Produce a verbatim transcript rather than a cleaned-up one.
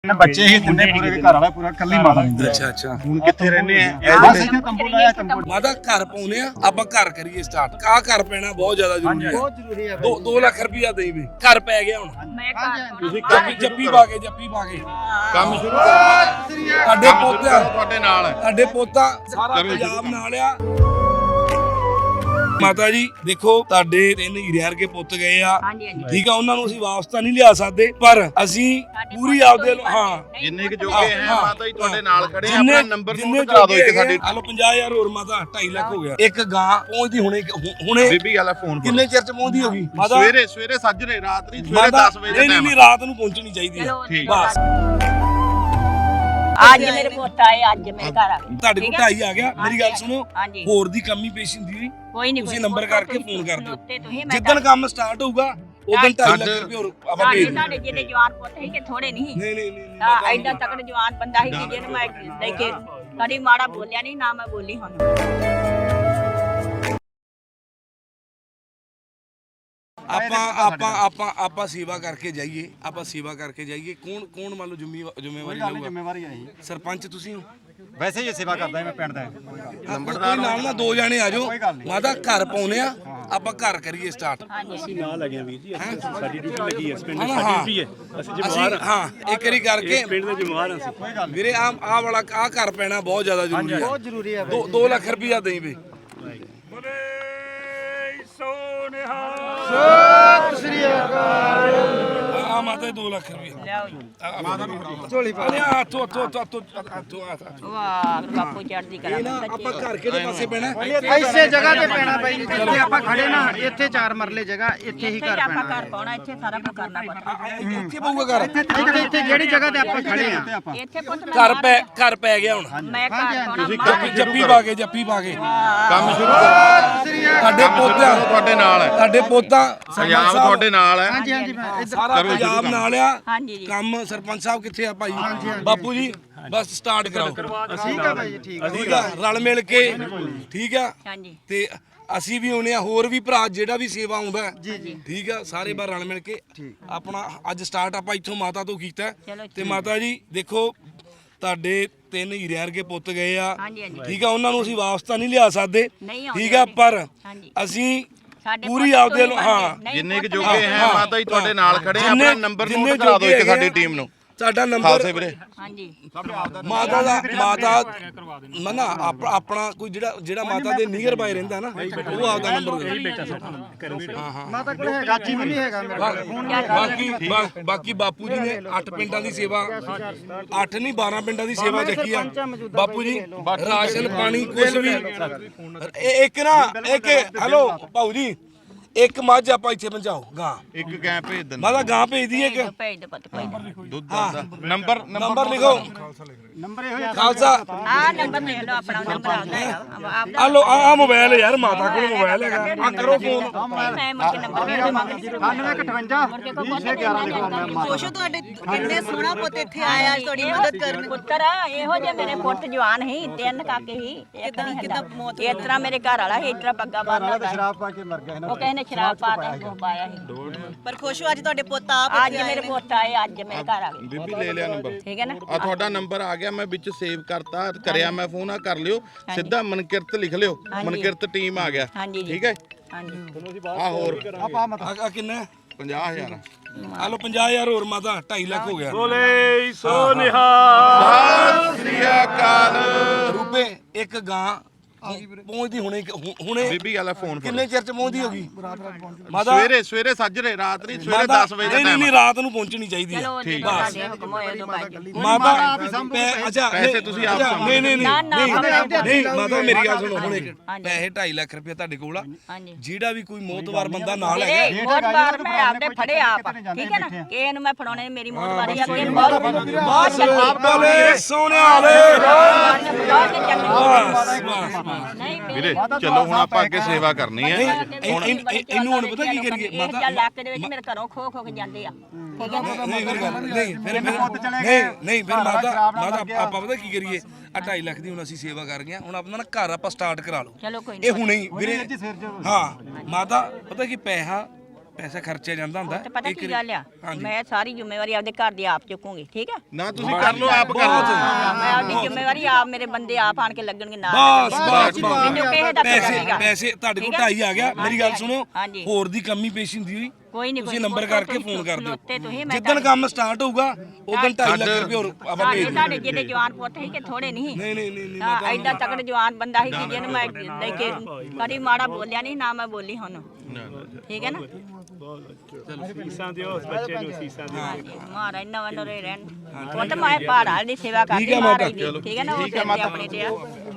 ਬੱਚੇ ਹੀ ਦਿੰਦੇ ਪੂਰੇ ਘਰ ਵਾਲਾ ਪੂਰਾ ਕੱਲੀ ਮਾਤਾ ਦਿੰਦੀ। ਅੱਛਾ ਅੱਛਾ ਹੁਣ ਕਿੱਥੇ ਰਹਿੰਦੇ ਆ ਬਸ ਇੱਥੇ ਤੰਬੂ ਲਾਇਆ ਤੰਬੂ। ਮਾਤਾ ਘਰ ਪਾਉਨੇ ਆ ਆਪਾਂ ਘਰ ਕਰੀਏ ਸਟਾਰਟ ਆ ਘਰ ਪੈਣਾ ਬਹੁਤ ਜ਼ਿਆਦਾ ਜ਼ਰੂਰੀ ਹੈ। ਬਹੁਤ ਜ਼ਰੂਰੀ ਹੈ। ਦੋ ਲੱਖ ਰੁਪਇਆ ਦੇਈ ਵੀ ਘਰ ਪੈ ਗਿਆ ਹੁਣ ਮੈਂ ਘਰ ਤੁਸੀਂ ਜੱਪੀ ਜੱਪੀ ਪਾ ਕੇ ਜੱਪੀ ਪਾ ਕੇ ਕੰਮ ਸ਼ੁਰੂ ਕਰਨਾ ਸਾਡੇ ਪੋਤਾ ਤੁਹਾਡੇ ਨਾਲ ਹੈ। ਸਾਡੇ ਪੋਤਾ ਸਾਰਾ ਪੰਜਾਬ ਨਾਲ ਆ। ਮਾਤਾ ਜੀ ਦੇਖੋ ਤੁਹਾਡੇ ਤਿੰਨ ਹੀਰੇ ਵਰਗੇ ਪੁੱਤ ਗਏ ਆ ਹਾਂਜੀ ਹਾਂਜੀ ਠੀਕ ਆ ਉਹਨਾਂ ਨੂੰ ਅਸੀਂ ਵਾਪਸ ਤਾਂ ਨਹੀਂ ਲਿਆ ਸਕਦੇ ਪਰ ਅਸੀਂ ਪੂਰੀ ਆਪਦੇ ਹਾਂ ਜਿੰਨੇ ਕਿ ਜੋਗੇ ਹੈ ਮਾਤਾ ਜੀ ਤੁਹਾਡੇ ਨਾਲ ਖੜੇ ਆ। ਜਿੰਨੇ ਆਪਣਾ ਨੰਬਰ ਜਿੰਨੇ ਨੋਟ ਕਰਾ ਦਿਓ ਇੱਕ ਸਾਡੇ ਹਲੋ ਪੰਜਾਹ ਹਜ਼ਾਰ ਹੋਰ ਮਾਤਾ ਢਾਈ ਲੱਖ ਹੋ ਗਿਆ। ਇੱਕ ਗਾਂ ਪਹੁੰਚਦੀ ਹੁਣੇ ਹੁਣੇ ਬੀਬੀ ਵਾਲਾ ਫੋਨ ਕਿੰਨੇ ਚਿਰ ਚ ਪਹੁੰਚਦੀ ਹੋਗੀ ਮਾਤਾ? ਸਵੇਰੇ ਸਵੇਰੇ ਸੱਜਰੇ ਰਾਤ ਨਹੀਂ ਸਵੇਰੇ ਮਾਤਾ ਦਸ ਵਜੇ ਦਾ ਨਹੀਂ ਟਾਈਮ ਨਹੀਂ ਰਾਤ ਨੂੰ ਪਹੁੰਚਣੀ ਚਾਹੀਦੀ ਹੈ ਚਲੋ ਠੀਕ। ਬਸ ਅੱਜ ਮੇਰੇ ਪੁੱਤ ਆਏ ਅੱਜ ਮੇਰੇ ਘਰ ਆ ਗਏ ਤੁਹਾਡੇ ਕੋਲ ਢਾਈ ਆ ਗਿਆ। ਮੇਰੀ ਗੱਲ ਸੁਣੋ ਹਾਂਜੀ ਹੋਰ ਦੀ ਕਮੀ ਪੇਸ਼ ਹੁੰਦੀ ਹੋਈ ਕੋਈ ਨਹੀਂ ਤੁਸੀਂ ਨੰਬਰ ਕਰਕੇ ਫੋਨ ਕਰ ਦਿਓ। ਦਿਓ ਜਿੱਦਣ ਕੰਮ ਸਟਾਰਟ ਹੋਊਗਾ ਉਦੋਂ ਢਾਈ ਲੱਖ ਰੁਪਏ ਹੋਰ ਆਪਾਂ ਭੇਜ ਦਿੰਦੇ। ਸਾਡੇ ਜਿਹੜੇ ਜਵਾਨ ਪੁੱਤ ਸੀ ਕਿ ਥੋੜੇ ਨਹੀਂ ਨਹੀਂ ਨਹੀਂ ਨਹੀਂ ਤਾਂ ਐਡਾ ਤਕੜ ਜਵਾਨ ਬੰਦਾ ਸੀ ਕਿ ਜਿਹਨੂੰ ਮੈਂ ਲੈ ਕੇ ਕਦੀ ਮਾੜਾ ਬੋਲਿਆ ਨਹੀਂ ਨਾ ਮੈਂ ਬੋਲੀ ਹੁਣ। ਆਪਾਂ ਆਪਾਂ ਆਪਾਂ ਆਪਾਂ ਸੇਵਾ ਕਰਕੇ ਜਾਈਏ ਆਪਾਂ ਸੇਵਾ ਕਰਕੇ ਜਾਈਏ ਕੌਣ ਕੌਣ ਮੰਨ ਲਓ ਜ਼ਿੰਮੇਵਾਰੀ ਜ਼ਿੰਮੇਵਾਰੀ ਲਊਗਾ? ਜ਼ਿੰਮੇਵਾਰੀ ਆਈ ਸਰਪੰਚ ਤੁਸੀਂ ਹੋ? ਵੈਸੇ ਹੀ ਸੇਵਾ ਕਰਦਾ ਮੈਂ ਪਿੰਡ ਦਾ। ਨੰਬਰਦਾਰ ਨਾਲ ਨਾ ਦੋ ਜਾਣੇ ਆ ਜਾਓ ਮਾਤਾ ਘਰ ਪਾਉਨੇ ਆ ਆਪਾਂ ਘਰ ਕਰੀਏ ਸਟਾਰਟ। ਅਸੀਂ ਨਾਲ ਲੱਗੇ ਵੀਰ ਜੀ ਸਾਡੀ ਡਿਊਟੀ ਲੱਗੀ ਹੈ ਪਿੰਡ ਹਾਂ, ਦੀ ਹਾਂ। ਡਿਊਟੀ ਹੈ ਅਸੀਂ ਅਸੀਂ ਜ਼ਿੰਮੇਵਾਰ ਹਾਂ ਇੱਕ ਵਾਰੀ ਕਰਕੇ ਪਿੰਡ ਦੇ ਜ਼ਿੰਮੇਵਾਰ ਅਸੀਂ ਵੀਰੇ ਆ ਆ ਵਾਲਾ ਆ ਘਰ ਪੈਣਾ ਬਹੁਤ ਜ਼ਿਆਦਾ ਜ਼ਰੂਰੀ ਹੈ। ਬਹੁਤ ਜ਼ਰੂਰੀ ਹੈ। ਦੋ ਦੋ ਲੱਖ ਰੁਪਇਆ ਦੇਈ ਵੇ ਆ ਮਾਤਾ ਦੋ ਲੱਖ ਰੁਪਇਆ ਲਿਆਓ ਜੀ ਝੋਲੀ ਪਾ ਲਿਆ ਹੱਥੋਂ ਹੱਥੋਂ ਹੱਥੋਂ ਹੱਥੋਂ ਹੱਥੋਂ ਵਾਹ ਬਾਪੂ ਚੜ੍ਹਦੀ ਕਰਾ ਇਹ ਨਾ ਆਪਾਂ ਘਰ ਕਿਹੜੇ ਪਾਸੇ ਪੈਣਾ? ਐਸੇ ਜਗ੍ਹਾ ਤੇ ਪੈਣਾ ਬਾਈ ਜਿੱਥੇ ਆਪਾਂ ਖੜੇ ਨਾ ਇੱਥੇ ਚਾਰ ਮਰਲੇ ਜਗ੍ਹਾ ਇੱਥੇ ਹੀ ਇੱਥੇ ਘਰ ਆਪਾਂ ਪੈਣਾ। ਘਰ ਪਾਉਣਾ ਇੱਥੇ ਸਾਰਾ ਕੁਝ ਕਰਨਾ ਪੈਣਾ ਇੱਥੇ ਪਊਗਾ ਘਰ ਇੱਥੇ ਇੱਥੇ ਜਿਹੜੀ ਜਗ੍ਹਾ ਤੇ ਆਪਾਂ ਖੜੇ ਆ ਇੱਥੇ ਪੁੱਤ ਮੈਂ ਘਰ ਪੈ ਘਰ ਪੈ ਗਿਆ ਹੁਣ ਮੈਂ ਘਰ ਪਾਉਣਾ ਜੱਪੀ ਜੱਪੀ ਪਾ ਕੇ ਜੱਪੀ ਪਾ ਕੇ ਕੰਮ ਸ਼ੁਰੂ ਕਰਨਾ ਸਾਡੇ ਪੋਤਾ ਤੁਹਾਡੇ ਨਾਲ ਹੈ। ਸਾਡੇ ਪੋਤਾ ਪੰਜਾਬ ਤੁਹਾਡੇ ਨਾਲ ਹੈ। ਹਾਂਜੀ ਹਾਂਜੀ ਮੈਂ ਇੱਧਰ ਸਾਰਾ ਪੰਜਾਬ ਨਾਲ ਆ। ਹਾਂਜੀ ਜੀ ਕੰਮ ਸਰਪੰਚ ਸਾਹਿਬ ਕਿੱਥੇ ਆ ਭਾਈ ਬਾਪੂ ਜੀ ਬਸ ਸਟਾਰਟ ਕਰਾਓ ਠੀਕ ਆ ਬਾਈ ਜੀ ਠੀਕ ਆ। ਠੀਕ ਆ ਰਲ ਮਿਲ ਕੇ ਠੀਕ ਆ ਹਾਂਜੀ ਤੇ ਅਸੀਂ ਵੀ ਆਉਨੇ ਆ ਹੋਰ ਵੀ ਭਰਾ ਜਿਹੜਾ ਵੀ ਸੇਵਾ ਆਉਂਦਾ ਹੈ। ਠੀਕ ਆ ਸਾਰੇ ਬਾਰ ਰਲ ਮਿਲ ਕੇ ਆਪਣਾ ਅੱਜ ਸਟਾਰਟ ਆਪਾਂ ਇੱਥੋਂ ਮਾਤਾ ਤੋਂ ਕੀਤਾ ਹੈ। ਚਲੋ ਤੇ ਮਾਤਾ ਜੀ ਦੇਖੋ ਤੁਹਾਡੇ ਤਿੰਨ ਹੀਰੇ ਵਰਗੇ ਪੁੱਤ ਗਏ ਆ ਹਾਂਜੀ ਹਾਂਜੀ ਠੀਕ ਆ ਉਹਨਾਂ ਨੂੰ ਅਸੀਂ ਵਾਪਸ ਤਾਂ ਨਹੀਂ ਲਿਆ ਸਕਦੇ ਨਹੀਂ ਆਉਂਦੇ ਠੀਕ ਆ ਪਰ ਹਾਂਜੀ ਅਸੀਂ ਸਾਡੇ ਪੂਰੀ ਪੁੱਤ ਆਪਦੇ ਤੋਂ ਹੀ ਹਾਂ ਬਣਦੇ। ਨਹੀਂ, ਜਿੰਨੇ ਕਿ ਪੁੱਤ ਜੋਗੇ ਹੈ ਹਾਂ, ਮਾਤਾ ਜੀ ਤੁਹਾਡੇ ਨਾਲ ਖੜੇ ਆ। ਜਿੰਨੇ- ਆਪਣਾ ਨੰਬਰ ਜਿੰਨੇ ਨੋਟ ਕਰਾ ਦਿਓ ਇੱਕ ਜੋਗੇ ਸਾਡੀ ਹੈਗੇ ਟੀਮ ਨੂੰ ਸਾਡਾ ਨੰਬਰ ਖਾਲਸੇ ਵੀਰੇ ਹਾਂਜੀ ਮਾਤਾ ਦਾ ਮਾਤਾ ਮਨਾ ਆਪਣਾ ਕੋਈ ਜਿਹੜਾ ਜਿਹੜਾ ਮਾਤਾ ਦੇ ਨੀਅਰ ਬਾਈ ਰਹਿੰਦਾ ਨਾ ਉਹ ਆਪਦਾ ਨੰਬਰ ਦੇ ਹਾਂ ਹਾਂ ਮਾਤਾ ਕੋਲ ਹੈਗਾ ਜੀ ਵੀ ਨਹੀਂ ਹੈਗਾ ਮੇਰੇ ਕੋਲ। ਬਾਕੀ ਬਾ- ਬਾਕੀ ਬਾਪੂ ਜੀ ਨੇ ਅੱਠ ਪਿੰਡਾਂ ਦੀ ਸੇਵਾ ਅੱਠ ਨਹੀਂ ਬਾਰਾਂ ਪਿੰਡਾਂ ਦੀ ਸੇਵਾ ਚੱਕੀ ਆ ਬਾਪੂ ਜੀ ਰਾਸ਼ਨ ਪਾਣੀ ਕੁਝ ਵੀ ਇਹ ਇੱਕ ਨਾ ਇੱਕ ਹੈਲੋ ਭਾਊ ਜੀ ਇੱਕ ਮੱਝ ਆਪਾਂ ਇੱਥੇ ਪਹੁੰਚਾਓ ਗਾਂ ਇੱਕ ਗੈਂ ਭੇਜ ਦਿੰਦਾ ਮਾਤਾ ਗਾਂ ਭੇਜਦੀ ਇੱਕ ਭੇਜ ਦੇ ਪੁੱਤ ਕੋਈ ਨਾ। ਦੁੱਧ ਦਾ ਨੰਬਰ ਨੰਬਰ ਲਿਖੋ ਨੰਬਰ ਇਹੋ ਹੀ ਖਾਲਸਾ ਆਹ ਨੰਬਰ ਲਿਖ ਲਓ ਆਪਣਾ ਨੰਬਰ ਆਉਂਦਾ ਹੈ ਆਪਦਾ ਆ ਲੋ ਆ ਮੋਬਾਈਲ ਯਾਰ ਮਾਤਾ ਕੋਲ ਮੋਬਾਈਲ ਹੈਗਾ ਆ ਕਰੋ ਫੋਨ ਮੈਂ ਮੁੜ ਕੇ ਨੰਬਰ ਦੇ ਦੇਵਾਂਗੀ ਅਠਾਨਵੇਂ ਅਠਵੰਜਾ ਵੀਹ ਛੇ ਗਿਆਰਾਂ ਲਿਖੋ ਮੈਂ ਮਾਤਾ ਖੁਸ਼ ਹੋ ਤੁਹਾਡੇ ਕਿੰਨੇ ਸੋਹਣਾ ਪੁੱਤ ਇੱਥੇ ਆਇਆ ਅੱਜ ਤੁਹਾਡੀ ਮਦਦ ਕਰਨ। ਪੁੱਤਰ ਇਹੋ ਜਿਹੇ ਮੇਰੇ ਪੁੱਤ ਜਵਾਨ ਸੀ ਤਿੰਨ ਕਾਕੇ ਸੀ ਇੱਕ ਨਹੀਂ ਕਿੱਦਾਂ ਕਿਦਾਂ ਮੌਤ ਇਸ ਤਰ੍ਹਾਂ ਮੇਰੇ ਘਰ ਵਾਲਾ ਸੀ ਇਸ ਤਰ੍ਹਾਂ ਪੱਗਾ ਬੰਨ੍ਹਦਾ ਸੀ। ਸ਼ਰਾਬ ਪਾ ਕੇ ਮਰ ਗਿਆ ਉਹ ਕਹਿੰਦੇ ਸ਼ਰਾਬ ਪਾਤਾ ਉਹ ਪਾਇਆ ਸੀ ਪਰ ਖੁਸ਼ ਹੋ ਅੱਜ ਤੁਹਾਡੇ ਪੁੱਤ ਆਪ ਅੱਜ ਮੇਰੇ ਪੁੱਤ ਆਏ ਅੱਜ ਮੇਰੇ ਘਰ ਆ ਗਏ ਬੀਬੀ ਲੈ ਲਿਆ ਨੰਬਰ ਠੀਕ ਹੈ ਨਾ ਆ ਤੁਹਾਡਾ ਨੰਬਰ ਆ ਗਿਆ ਮੈਂ ਵਿੱਚ ਸੇਵ ਕਰਤਾ ਕਰਿਆ ਮੈਂ ਫੋਨ ਆ ਕਰ ਲਿਓ ਸਿੱਧਾ ਮਨਕਿਰਤ ਲਿਖ ਲਿਓ ਮਨਕਿਰਤ ਟੀਮ ਆ ਗਿਆ ਹਾਂਜੀ ਜੀ ਠੀਕ ਹੈ ਹਾਂਜੀ ਆ ਹੋਰ ਆਪਾਂ ਮਤ ਆ ਕਿੰਨਾ ਪੰਜਾਹ ਹਜ਼ਾਰ ਆ ਲੋ ਪੰਜਾਹ ਹਜ਼ਾਰ ਹੋਰ ਮਾਤਾ ਢਾਈ ਲੱਖ ਹੋ ਗਿਆ ਬੋਲੇ ਸੋ ਨਿਹਾਲ ਸਤਿ ਸ੍ਰੀ ਅਕਾਲ ਰੁਪਏ ਇੱਕ ਗਾਂ ਪਹੁੰਚਦੀ ਹੁਣੇ ਹੁਣੇ ਬੀਬੀ ਵਾਲਾ ਫੋਨ ਕਿੰਨੇ ਚਿਰ ਚ ਪਹੁੰਚਦੀ ਹੋਗੀ ਮਾਤਾ ਸਵੇਰੇ ਸਵੇਰੇ ਸੱਜਰੇ ਰਾਤ ਨਹੀਂ ਸਵੇਰੇ ਮਾਤਾ ਦਸ ਵਜੇ ਦਾ ਨਹੀਂ ਟਾਈਮ ਨਹੀਂ ਰਾਤ ਨੂੰ ਪਹੁੰਚਣੀ ਚਾਹੀਦੀ ਹੈ ਚਲੋ ਜਦੋਂ ਤੁਹਾਡੇ ਹੁਕਮ ਹੋਏ ਉਦੋਂ ਭਾਈ ਮਾਤਾ ਪੈ- ਅੱਛਾ ਪੈਸੇ ਨਹੀਂ, ਤੁਸੀਂ ਆਪ ਅੱਛਾ, ਨਹੀਂ ਨਹੀਂ ਨਾ, ਨਹੀਂ ਨਾ, ਨਹੀਂ ਆਪਣੇ- ਨਹੀਂ ਮਾਤਾ ਮੇਰੀ ਗੱਲ ਸੁਣੋ ਹੁਣ ਇੱਕ ਹਾਂਜੀ। ਪੈਸੇ ਢਾਈ ਲੱਖ ਰੁਪਏ ਤੁਹਾਡੇ ਕੋਲ ਆ ਹਾਂਜੀ ਜਿਹੜਾ ਵੀ ਕੋਈ ਮੋਤਵਾਰ ਬੰਦਾ ਨਾਲ ਇਹ ਹੈਗਾ ਬਹੁਤ ਵਾਰ ਮੈਂ ਆਪਦੇ ਫੜੇ ਆਪ ਠੀਕ ਹੈ ਨਾ ਕਿਸੇ ਨੂੰ ਮੈਂ ਫੜਾਉਣੇ ਮੇਰੀ ਮੌਤ ਵਾਰੀ ਆ ਕਿ ਬਹੁਤ ਬਹੁਤ ਚੱਲੀ ਬੋਲੇ ਸੋਨੇ ਵਾਲੇ ਬਹੁਤ ਚੱਲੀ ਨਹੀਂ ਵੀਰੇ ਮੇਰੇ ਚਲੋ ਹੁਣ ਆਪਾਂ ਅੱਗੇ ਸੇਵਾ ਕਰਨੀ ਹੈ ਇਹ- ਇਹ- ਇਹਨੂੰ ਹੁਣ ਪਤਾ ਕੀ ਕਰੀਏ ਮਾਤਾ ਮਾਤਾ ਇਲਾਕੇ ਦੇ ਵਿੱਚ ਮੇਰੇ ਘਰੋਂ ਖੋ ਖੋ ਕੇ ਜਾਂਦੇ ਆ ਠੀਕ ਹੈ ਨਾ ਨਹੀਂ ਫਿਰ ਗੱਲ ਨਹੀਂ ਫਿਰ ਫਿਰ ਨਹੀਂ ਨਹੀਂ ਫਿਰ ਮਾਤਾ ਮਾਤਾ ਆਪਾਂ ਪਤਾ ਕੀ ਕਰੀਏ ਆ ਢਾਈ ਲੱਖ ਦੀ ਹੁਣ ਅਸੀਂ ਸੇਵਾ ਕਰ ਗਏ ਹੁਣ ਆਪਣਾ ਨਾ ਘਰ ਆਪਾਂ ਸਟਾਰਟ ਕਰਾ ਲਓ ਚਲੋ ਕੋਈ ਇਹ ਨਹੀਂ ਹੁਣੇ ਹੀ ਵੀਰੇ ਹਾਂ ਮਾਤਾ ਪਤਾ ਕੀ ਪੈਸਾ ਪੈਸਾ ਖਰਚਿਆ ਜਾਂਦਾ ਹੁੰਦਾ ਤੇ ਪਤਾ ਕੀ ਗੱਲ ਆ ਮੈਂ ਸਾਰੀ ਜ਼ਿੰਮੇਵਾਰੀ ਆਪਦੇ ਘਰ ਦੀ ਆਪ ਚੁੱਕੂਗੀ ਠੀਕ ਹੈ ਨਾ ਤੁਸੀਂ ਕਰ ਲਓ ਆਪ ਕਰ ਲਓ ਮੈਂ ਆਪਦੀ ਜ਼ਿੰਮੇਵਾਰੀ ਆਪ ਮੇਰੇ ਬੰਦੇ ਆਪ ਆਣ ਕੇ ਲੱਗਣਗੇ ਨਾਲ ਬਸ ਬਸ ਮੈਨੂੰ ਕਿਸੇ ਦਾ ਪੈਸੇ ਪੈਸਾ ਪੈਸੇ ਤੁਹਾਡੇ ਕੋਲ ਢਾਈ ਆ ਗਿਆ ਮੇਰੀ ਗੱਲ ਸੁਣੋ ਹਾਂਜੀ। ਹੋਰ ਦੀ ਕਮੀ ਪੇਸ਼ੀ ਹੁੰਦੀ ਹੋਈ ਕੋਈ ਨਹੀਂ ਤੁਸੀਂ ਨੰਬਰ ਕਰਕੇ ਫੋਨ ਕਰ ਦਿਓ ਤੁਸੀਂ ਜਿੱਦਣ ਕੰਮ ਸਟਾਰਟ ਹੋਊਗਾ ਉਦੋਂ ਢਾਈ ਲੱਖ ਰੁਪਏ ਹੋਰ ਆਪਾਂ ਭੇਜ ਦਿੰਦੇ ਤੁਹਾਡੇ ਜਿਹੜੇ ਜਵਾਨ ਪੁੱਤ ਸੀ ਕਿ ਥੋੜੇ ਨਹੀਂ ਨਹੀਂ ਨਹੀਂ ਨਹੀਂ ਨਹੀਂ ਹਾਂ ਐਡਾ ਤਕੜ ਜਵਾਨ ਬੰਦਾ ਸੀ ਕਿ ਜਿਹਨੂੰ ਮੈਂ ਲੈ ਕੇ ਕਦੀ ਮਾੜਾ ਬੋਲਿਆ ਨਹੀਂ ਨਾ ਮੈਂ ਬੋਲੀ ਹੁਣ ਠੀਕ ਹੈ ਨਾ ਸੀਸਾਂ ਦਿਓ ਉਸ ਬੱਚੇ ਨੂੰ ਸੀਸਾਂ ਦਿਓ ਹਾਂਜੀ ਮਹਾਰਾਜ ਨਵਾਂ ਨਰੇ ਰਹਿਣ ਪੁੱਤ ਮੈਂ ਪਹਾੜਾਂ ਦੀ ਸੇਵਾ ਕਰਦੀ ਠੀਕ ਹੈ ਮਾਤਾ। ਮਹਾਰਾਜ ਦੀ ਠੀਕ ਹੈ ਨਾ ਉਹ ਸਿਰ ਤੇ ਆਪਣੇ ਤੇ ਆ